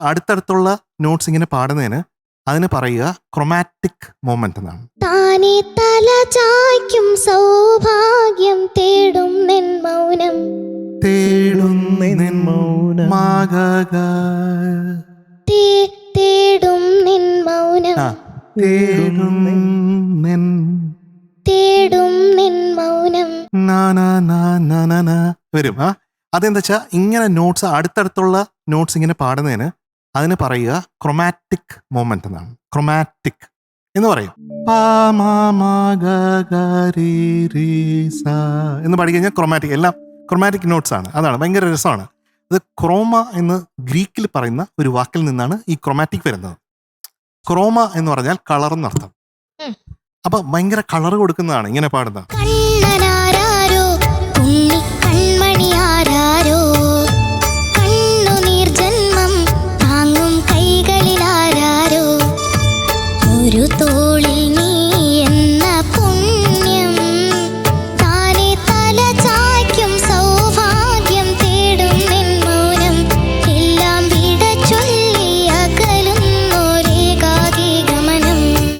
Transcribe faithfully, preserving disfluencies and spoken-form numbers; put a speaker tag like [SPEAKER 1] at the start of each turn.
[SPEAKER 1] അടുത്തടുത്തുള്ള notes ഇങ്ങനെ പാടുന്നതിന് അതിന് പറയുക ക്രൊമാറ്റിക് മൂവ്മെന്റ് എന്നാണ്.
[SPEAKER 2] താനേ തല ചായ്ക്കും സൗഭാഗ്യം തേടും നിൻ മൗനം
[SPEAKER 1] തേടും നിൻ
[SPEAKER 3] മൗനം.
[SPEAKER 1] മാഗഗ.
[SPEAKER 2] തേ- തേടും നിൻ മൗനം
[SPEAKER 1] ആ, തേടും നിൻ
[SPEAKER 2] തേടും നിൻ മൗനം.
[SPEAKER 1] നാ നാ നാ നാ നാ നാ വരും. ആ അതെന്താ വെച്ചാൽ ഇങ്ങനെ നോട്ട്സ് അടുത്തടുത്തുള്ള നോട്ട്സ് ഇങ്ങനെ പാടുന്നതിന് അതിന് പറയുക ക്രൊമാറ്റിക് മൂവ്മെന്റ് എന്നാണ്. ക്രൊമാറ്റിക് എന്ന് പറയും. പാ മാ മാ ഗ ഗ രി രി സ എന്ന് പാടി കഴിഞ്ഞാൽ ക്രൊമാറ്റിക്, എല്ലാം ക്രൊമാറ്റിക് നോട്ട്സ് ആണ്. അതാണ് ഭയങ്കര രസമാണ്. ഇത് ക്രോമ എന്ന് ഗ്രീക്കിൽ പറയുന്ന ഒരു വാക്കിൽ നിന്നാണ് ഈ ക്രൊമാറ്റിക് വരുന്നത്. ക്രോമ എന്ന് പറഞ്ഞാൽ കളർ എന്നർത്ഥം.
[SPEAKER 2] ഉം.
[SPEAKER 1] അപ്പൊ ഭയങ്കര കളർ കൊടുക്കുന്നതാണ് ഇങ്ങനെ പാടുന്നത്.
[SPEAKER 2] കണ്ണനാരാരോ ഉണ്ണി കൺമണിയാരാരോ കണ്ണുനീർ ജന്മം താങ്ങും കൈകളിലാരാരോ ഒരു തോളിൽ